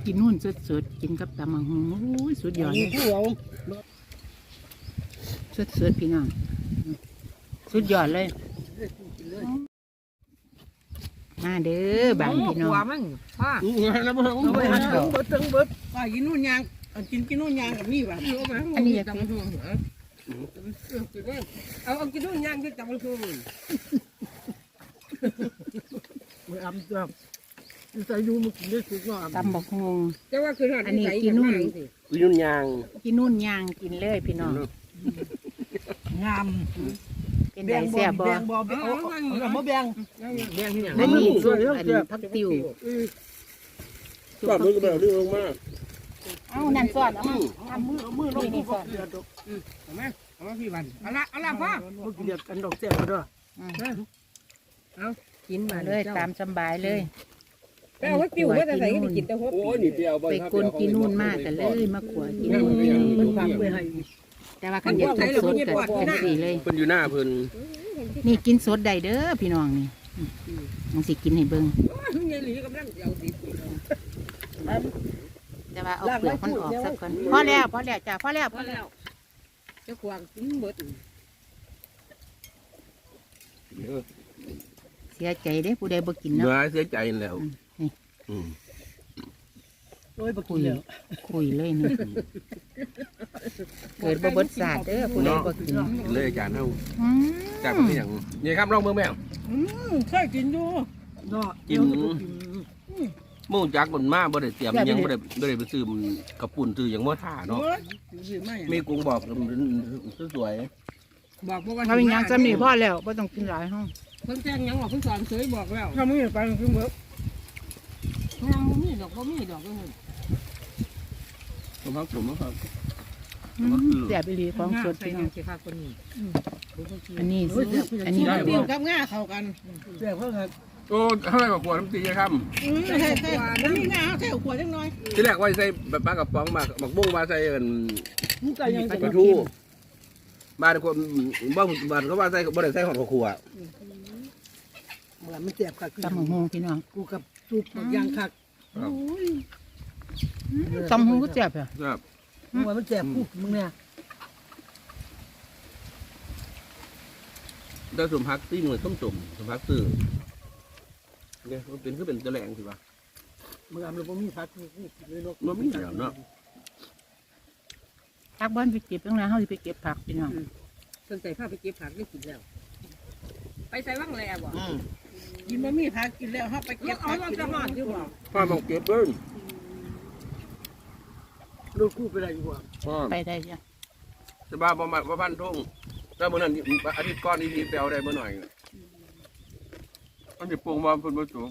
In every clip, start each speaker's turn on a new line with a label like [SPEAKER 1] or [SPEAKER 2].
[SPEAKER 1] กินนู่นสดๆกินกับตำมังหูโอ้ยสุดยอดเลยสดๆพี่น้องสุดยอดเลยมาเด้อบางพี่น้อง
[SPEAKER 2] มั้งพ่อแล้วมันเบิดตึงเบิดป้ากินนู่นยางกินนู่นยางกับนี่ป่ะอันนี้อยากกินเอากินนู่นยางที่จับมันคือมืออ้ำจับใส่ยูมันกินได้สุดยอด
[SPEAKER 1] ตำบักฮง
[SPEAKER 2] แต่ว่าคืออันนี้กิน
[SPEAKER 3] ยุ่นยาง
[SPEAKER 1] กินนู่นย่างกินเลยพี่น้อง
[SPEAKER 2] งาม
[SPEAKER 1] เป็นไดแซ่บบ่
[SPEAKER 2] เอามาแบ่งที่อย่าง
[SPEAKER 1] อันนี้ส่วนอันผักติว
[SPEAKER 3] ก็มือก็แบบเรื่องมาก
[SPEAKER 1] เอ้านั่นสอนเอามือลงนี่สอน
[SPEAKER 2] เอามาพี่วันเอาละพ่อเมื่อกี้เรียกกันดอกแซ่บด้วยเอากิน
[SPEAKER 1] มา
[SPEAKER 2] มา
[SPEAKER 1] เลยตามสบายเลย
[SPEAKER 2] แต่ว่าติวว่าจะใส่ก็กินแต่หัว
[SPEAKER 3] โอ้ยนี่เปรี้ยวบ่
[SPEAKER 1] ไปกลนกินนู่นมากกันเลยมาขวกินนู่น
[SPEAKER 2] มันฟังไปให้
[SPEAKER 1] แต่ว่าคันอยากสดๆกันจังสี่เลย
[SPEAKER 3] เพิ่นอยู่หน้าเพิ่น
[SPEAKER 1] นี่กินสดได้เด้อพี่น้องนี่มันสิกินให้เบิ่ง
[SPEAKER 2] ยายหลีกำลังเอาดิ
[SPEAKER 1] แต่ว่าเอาเปลือกมันออกซะก่อนพอแล้วจ้ะพอแล้ว
[SPEAKER 2] เจ้าควางกินเบิด
[SPEAKER 1] เสียใจเด้ผู้ใดบ่กินเนาะ
[SPEAKER 3] เนื้อเสียใจแล้วอืม
[SPEAKER 2] โอ้ยบัก
[SPEAKER 1] คุ
[SPEAKER 2] กิ
[SPEAKER 1] ย
[SPEAKER 2] นแล้ว
[SPEAKER 1] คุยเลยนี่เกิดบ่เบิดศาสตร์เด้อผู้ใดบ่กิน
[SPEAKER 3] เลยอาจารย์เฮา
[SPEAKER 1] อืม
[SPEAKER 3] จากเป็นอย่างนี่ครับลองเบิ่งแม่
[SPEAKER 2] เคยกินอยู่เนาะ
[SPEAKER 3] กินหมู่จักมันมาบ่ได้เตรียมยังบ่ได้ไปซื้อกระปุ่นซื้อหยังบ่ท่าเนาะมีกุ้งบอกสวย
[SPEAKER 2] บอกว่า
[SPEAKER 1] เขาเป็นหยังซ้ำนี่พอแล้วบ่ต้องกินหลายห้อง
[SPEAKER 2] เพิ่นแจ้งยังบอกเพิ่นสอนเสยบอกแล้วถ้ามึงไปคือเบิดยังบ่มีดอกก็
[SPEAKER 3] ผมพักผมครับ
[SPEAKER 1] แซ่บอีหลีของสดพี่น้อง
[SPEAKER 2] สิค่ะคนนี้
[SPEAKER 1] อันนี้อันนี้
[SPEAKER 2] เปรี้ยวกับง่าเข้ากันแซ่บเพิ่นครับ
[SPEAKER 3] โอ้เท่าไหร่กว่าน้ำตีครับ
[SPEAKER 2] ใช่ๆมันมีง่าใส่ขวดจังน้อย
[SPEAKER 3] ที่แรกว่าใส่ปลากระป๋องมาหมักบุ้งมาใส่กัน
[SPEAKER 2] มึงก็ยัง
[SPEAKER 3] ปลาทูมาทุกคนบ้านเขาว่าใส่บ่ได้ใส่หอดขัว
[SPEAKER 2] มันแซ่บคัก
[SPEAKER 1] ตำบักฮงพี่น้อง
[SPEAKER 2] กูกับซุปยางคัก
[SPEAKER 1] ตำบักฮงก็แซ่บอ่ะ
[SPEAKER 3] ครับ
[SPEAKER 2] ว่ามันแซ่บกูมึงเนี่ย
[SPEAKER 3] ได้สมพักที่หน่วยต้มสมพักตื้อเนี่ยมันเป็นคือเป็นตะแหลงสิวะ
[SPEAKER 2] มึงเอาแล้วบ่มีผักนี่เลยเนาะ
[SPEAKER 3] มันมีอย่างเนาะ
[SPEAKER 1] ผักบ้านไปเก็บตั้งนานเฮาสิไปเก็บผักพี่น้อง
[SPEAKER 2] สนใจพาไปเก็บผักได้กินแล้ว ไปใส่ว่างแล้วบ่กินบ่มีผักกินแล้วเฮาไปเก็บผักเอาจะหอดอยู่บ่
[SPEAKER 3] พ่อบอกเก็บเบิ้ล
[SPEAKER 2] ลูกคู่ไปได้อยู่บ่
[SPEAKER 3] พ่อ
[SPEAKER 1] ไปได้จ้ะ
[SPEAKER 3] จะบ้าประมาณพันทุ่งแต่เมื่อนั้นอาทิตย์ก้อนนี้แปลวได้เมื่อหน่อยมันจะปรุงมาเพิ่นมาจู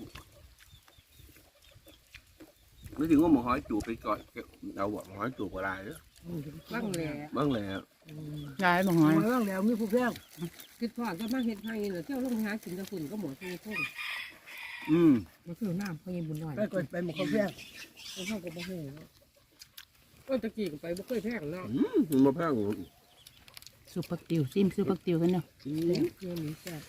[SPEAKER 3] นึกถึงว่าหมูหอยจูไปก่อนเอาหมูหอยจูกว่าไรเนาะ
[SPEAKER 2] ว่างแล้ว
[SPEAKER 3] บ้างแล้ว
[SPEAKER 1] ยายบ่หอย
[SPEAKER 2] ว่างแล้วมีผู้แพงคิดทอดก็มาเฮ็ดให้เนาะเที่ยวลงหากินกับฝุ่นก็หมดมีทุ่ง มันคือน้ำเขายิงบุญหน่อยไปก่อนไปหมดเขาแพงเขาเข้ากับบ่ฮู้ก็ตะกี้ก็ไปบ่เคยแพงเนาะ
[SPEAKER 3] มันมาแพง
[SPEAKER 1] ซุปผักติวซิมซุปผักติวกันเนาะ
[SPEAKER 2] เพื่อนนี่แซ่บ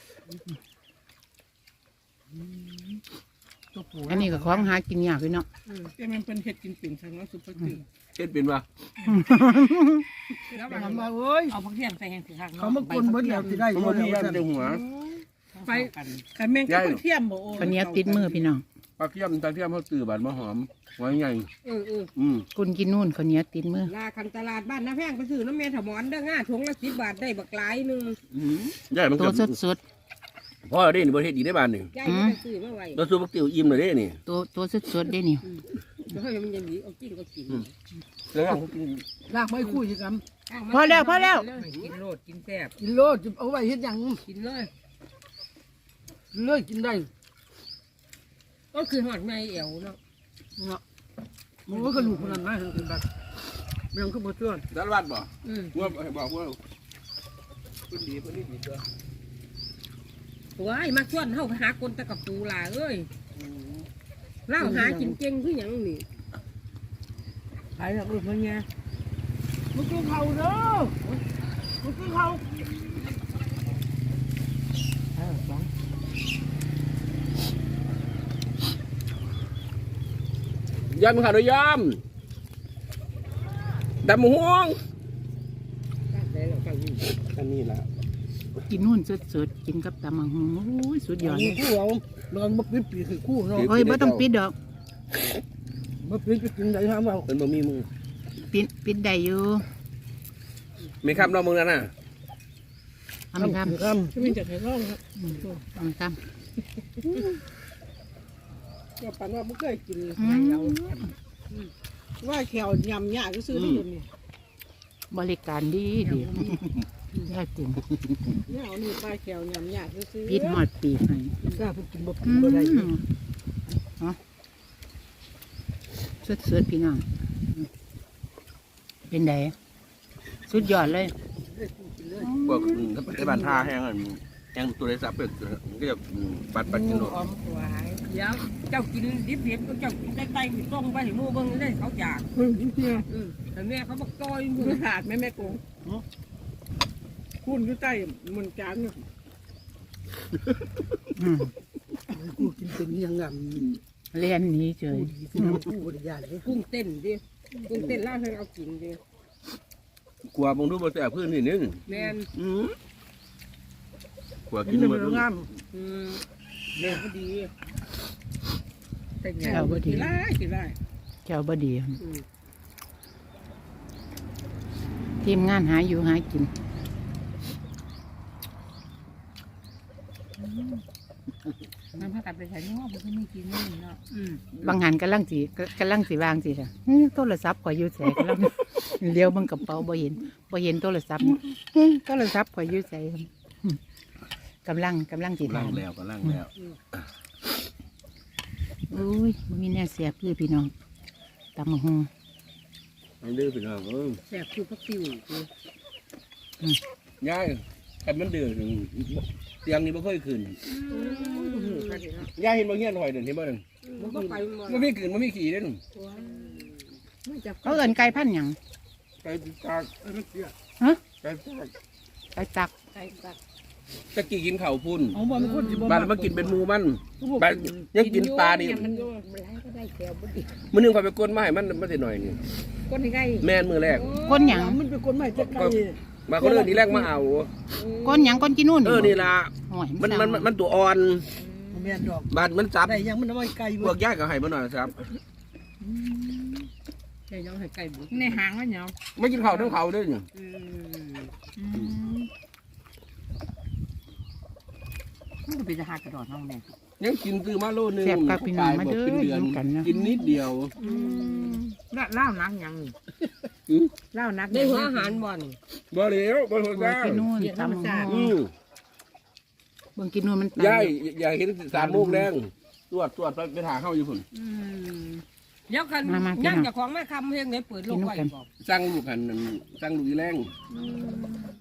[SPEAKER 2] ตัวผัว
[SPEAKER 1] อันนี้ก็ของหากินยากพี่น้อง
[SPEAKER 2] แต่มันเป็นเห็ดกินปิ่นทางนั้นสุดประตือ
[SPEAKER 3] เฮ็ดเป็นปะ
[SPEAKER 2] แล้วมันมาเอ้ยเอาผักเทียมใส่แห้งสิคักเขามากลนเบิดแล้วสิได้
[SPEAKER 3] มันมีอันเดียวหัว
[SPEAKER 2] ไปขันแมงกับผักเทียมบ่โอ้
[SPEAKER 1] คนนี้ติดมือพี่น้อง
[SPEAKER 3] ปลาเทียมตาเทียมเขาตื่อบานมะหอมไว้ใหญ่
[SPEAKER 1] คุณกินนู่นคนนี้ติดมือ
[SPEAKER 2] ลาคันตลาดบ้านน้าแพงไปซื้อน้ำเมถมอนเด้อง่าถุงละ10 บาทได้บักหลายนึง
[SPEAKER 3] ใหญ่มัน
[SPEAKER 1] ตัว
[SPEAKER 3] เกือบ
[SPEAKER 1] สด
[SPEAKER 3] พ่อได้นี่ประเทศอีกได้บ้านหนึ่ง
[SPEAKER 2] ยายไปซื้อมาไว้
[SPEAKER 3] เราสู้ปักติ๋วอิ่มเลยเด้นี่
[SPEAKER 1] ตัวสดได้นี่
[SPEAKER 2] แล้วให้มันยังดีเอากินก็กิน
[SPEAKER 3] แล้ว
[SPEAKER 4] ลากไม้คุยกัน
[SPEAKER 1] พอแล้วพอแล้ว
[SPEAKER 2] กินโลดกินแซ่บ
[SPEAKER 4] กินโลดเอาไว้เฮ็ดหยัง
[SPEAKER 2] กินเลย
[SPEAKER 4] เลือกกินได้
[SPEAKER 2] ก็คือหอดในเอวเนาะ
[SPEAKER 4] เนาะมันก็กระดูกคนนั้นนะคือแบบเรื่องขึ้นมาเชื่อ
[SPEAKER 3] ด้านวัดบ่ว่าบอกว่าคุณดีคนนี้ดีตัว
[SPEAKER 2] ว้ายมาชวนเฮาไปหาคนตะกับปูล่ะเอ้ยเล่าหากินเก่งคือหยังนี่
[SPEAKER 4] ขายแบบมันไงมันกินเขาเด้อมันกินเขา
[SPEAKER 3] ยำข้าวด้วยยำดำห่วงอันนี้ละ
[SPEAKER 1] กินนู่นสดๆกินกับตำมังหูโอ้ยสุดยอดเลย
[SPEAKER 4] คู่เรานอนมาปิดปีคือคู่เนาะ
[SPEAKER 1] เฮ้ยไม่ต้องปิดดอก
[SPEAKER 4] มาปิดไปกินไหนทำเอา
[SPEAKER 3] เป็นบะหมี่มึง
[SPEAKER 1] ปิดได้อยู่
[SPEAKER 3] ไม่คำเรามึงนั่นน่ะ
[SPEAKER 1] ทำไม่ทำ
[SPEAKER 4] ทำไม่จะให้ร้องครับ
[SPEAKER 1] ทำท
[SPEAKER 2] ก็ปันว่าไม่เคยกิน
[SPEAKER 1] ำ
[SPEAKER 2] ไงเราว่าแขวยำยากก็ซื้อได้เลยนี่
[SPEAKER 1] บริการดียากจริง
[SPEAKER 2] เนี่ยเอานี่ปลาแขวยำยากก็ซื้อ
[SPEAKER 1] ปิดหอดปีกให้
[SPEAKER 4] กล้าพูดกินบ่
[SPEAKER 1] อื
[SPEAKER 4] บ่ได้
[SPEAKER 1] มเนาะสดๆพี่น้องเป็นไงสุดยอดเลย
[SPEAKER 3] พวกถ้าเป็นบ้านท่าแห้งอันแห้งตัวได้สับเป็ดก็จะปัดกินหมด
[SPEAKER 2] หอมหวาน
[SPEAKER 5] เดี๋ยวเจ้ากินดิบเห็ดก็เจ้ากินได้ไตต้มไปหมู่เบิ่งได้เขาจากแต่แม่เขาบอกต้อย
[SPEAKER 2] คุณขาดไหมแม่โกงคุณอยู่ใต้มันจาน
[SPEAKER 1] อืม
[SPEAKER 4] กูกินเป็นยังงาม
[SPEAKER 1] เรียนหนี้เฉย
[SPEAKER 4] กินกูบ่ได้ยานเลย
[SPEAKER 2] กุ้งเต้นดิกุ้งเต้นล่าให้เอากินดิ
[SPEAKER 3] กลัวบางทุกบนแต่พื้นนี่นึง
[SPEAKER 2] แม่น
[SPEAKER 3] กลัว
[SPEAKER 4] กิ
[SPEAKER 3] กิ
[SPEAKER 4] น
[SPEAKER 3] น
[SPEAKER 4] มั
[SPEAKER 3] มัน น
[SPEAKER 4] งาม
[SPEAKER 2] แม่ก็ดีแต่แง่
[SPEAKER 1] เจ้าบ่ดี
[SPEAKER 2] กินได้กินได้
[SPEAKER 1] เจ้าบ่ดีทีมงานหาอยู่หากิน
[SPEAKER 5] มันพากันไปใช้นอกมันก็ไม่กินนี่เนาะ
[SPEAKER 1] บางหันกำลังสิวางสิค่ะโทรศัพท์ข่อยอยู่แสกำลัง เลี้ยวเบิ่งกระเป๋าบ่เห็นโทรศัพท์โทรศัพท์ข่อยอยู่แสกำลังสิ
[SPEAKER 3] ล่า
[SPEAKER 1] ทาง น
[SPEAKER 3] แล้วก็ล่างแล้ว
[SPEAKER 1] อุ้ยบ่มีแน่เสียบเลยพี่น้องตำมะฮง
[SPEAKER 3] ไม่ดื้อไปหน่อย
[SPEAKER 2] แซ่บคือพักติว
[SPEAKER 3] ย้ายกันมันเดือดเตียงนี้ไม่ค่อยขึ้นย้ายเห็นบางเงี้ยหน่อยเดินเห็นบ้าง
[SPEAKER 2] มันก็ไปหมด
[SPEAKER 3] มันไม่ขึ้นมันไม่ขี่เด่น
[SPEAKER 2] ไม่จับ
[SPEAKER 1] เขาเอิ้นไก่พันธุ์หยัง
[SPEAKER 3] ไปตาก
[SPEAKER 1] ฮะ
[SPEAKER 3] ไปตาก
[SPEAKER 1] ไก่ตัก
[SPEAKER 2] ไก่ตัก
[SPEAKER 3] ตะกี้กินข้าวพุ่น
[SPEAKER 4] เอาบ่มันคนสิบ่
[SPEAKER 3] บ้านมากินเป็นหมูมันบ้านยังกินปลานี่
[SPEAKER 2] มันร้ายก็ได้แก้วบุดี
[SPEAKER 3] มื้อนึงคอยไปก้นมาให้มันสิหน่อยนี่
[SPEAKER 2] ก้นยังไง
[SPEAKER 3] แม่นมือแรก
[SPEAKER 1] ก้นหยัง
[SPEAKER 4] มันเป็นคนใหม่จะไกล
[SPEAKER 3] มาคนอื่นทีแรกมาเอา
[SPEAKER 1] ก้นหยังก้นกินนู่น
[SPEAKER 3] นี่ล่ะ
[SPEAKER 1] โอ้ย
[SPEAKER 3] มันตัวอ่อน
[SPEAKER 4] แม่นดอก
[SPEAKER 3] บ้านมันจับ
[SPEAKER 4] ได้ยังมันเอาไว้ไกล
[SPEAKER 3] พวกญาติก็ให้มาหน่อยครับ
[SPEAKER 2] แค่ยังให้ไก่บุด
[SPEAKER 5] ในหางมันเนาะ
[SPEAKER 3] ไม่กินข้าวทั้งเขาด้วยนี่
[SPEAKER 5] มันก็เป็นจะหากระดอนห้องแม่
[SPEAKER 3] ยังกินซื้อมาโลนึง
[SPEAKER 1] แซ่บกับพี่น้องมาเด้อ
[SPEAKER 3] เป็นเดือน
[SPEAKER 1] อยู่กันนะ
[SPEAKER 3] กินนิดเดียว
[SPEAKER 5] เล่านักยังเล่านัก
[SPEAKER 2] ได้หัวอาหารบ่อน
[SPEAKER 3] บ่เหลวบ่หัว
[SPEAKER 1] ก้
[SPEAKER 3] จ้า
[SPEAKER 1] กินนู่นตำมะฮงเบิ่งกินนู่นมัน
[SPEAKER 3] ยายอยากเห็น3 โมงแดงตรวจไปหาเข้าอยู่พุ่น
[SPEAKER 5] เดี๋ยวกันยังจะของแม่คำเพียงไหนเปิดโลกไว้บอก
[SPEAKER 3] สั่งลูกหันสั่งลูกอีแรง